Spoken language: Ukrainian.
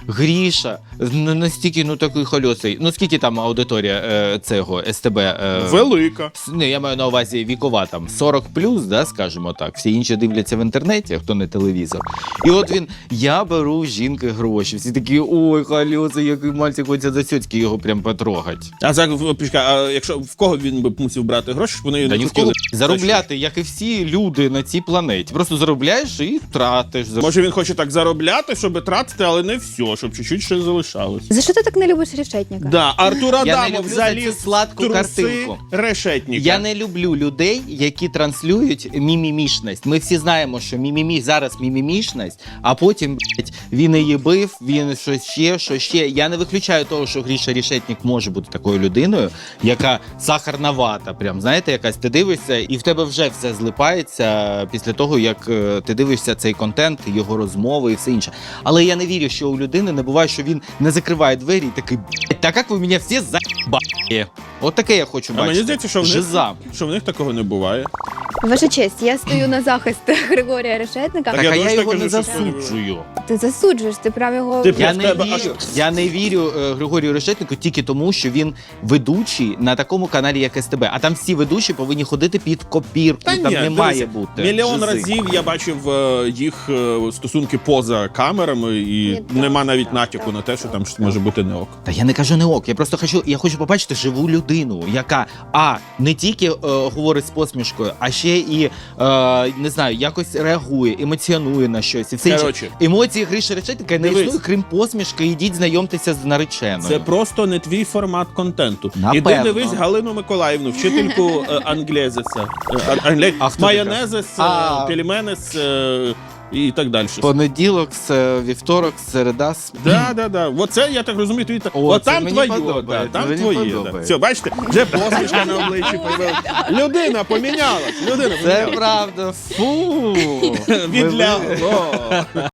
Гріша настільки, ну, такий хольосий. Ну, скільки там аудиторія цього СТБ? Велика. Не, я маю на увазі вікова, там, 40+, да, скажімо так. Всі інші дивляться в інтернеті, хто не телевізор. І от він, я беру жінки гроші. Всі такі, ой, хольосий, який мальчик, хочеться за сьоцьки його прям потрогать. А якщо в кого він би мусив брати гроші, щоб вони Та не ні в хотіли? кого заробляти, як і всі люди на цій планеті. Просто заробляєш і тратиш. Може він хоче так заробляти, щоб тратити, але не все, щоб чуть-чуть ще залишалось. За що ти так не любиш Решетника? Да, Артур Я не Адамов люблю заліз за цю сладку в труси картинку. Решетника. Я не люблю людей, які транслюють мімімішність. Ми всі знаємо, що зараз мімімішність, а потім, блядь, він її бив, він що ще. Я не виключаю того, що Гріша Решетник може бути такою людиною, яка сахарна вата, прям, знаєте, якась ти дивишся, і в тебе вже все злипається після того, як ти дивишся цей контент, його розмови і все інше. Але я не вірю, що у людини не буває, що він не закриває двері і такий, блядь, так як ви мене всі за***ли. От таке я хочу А бачити. мені здається, що Жиза. в них такого не буває. Ваша честь, я стою на захист Григорія Решетника. Так, я а теж я так його кажу, не що засуджую. Ти засуджуєш, ти прям його... Ти Я не вірю Григорію Решетнику тільки тому, що він ведучий на такому каналі, як СТБ. А там всі ведучі повинні ходити під копірку. Там не дивися, має бути. Мільйон жизи. разів я бачив їх стосунки поза камерами, і нема навіть натяку на те, що там щось може бути не ок. Та я не кажу не ок. Я просто хочу побачити живу людину, яка не тільки говорить з посмішкою, а ще і не знаю, якось реагує, емоціонує на щось. І все інше. Короче. Емоції Гриші Решетника не Дивись. існує, крім посмішки. Ідіть знайомтеся з нареченою. Це просто не твій формат контенту. Напевно. Іди дивись Галину Миколаївну, вчительку англезеса. А хто Майонезес, пельменес і так далі. Понеділок, вівторок, середа. Да. Оце, я так розумію, твій... От це там мені твоє, подобається, там мені твоє. Да. подобається. Все, бачите, вже посмішка на обличчі появилась. Людина помінялась. Це правда. Фу. Відлягло.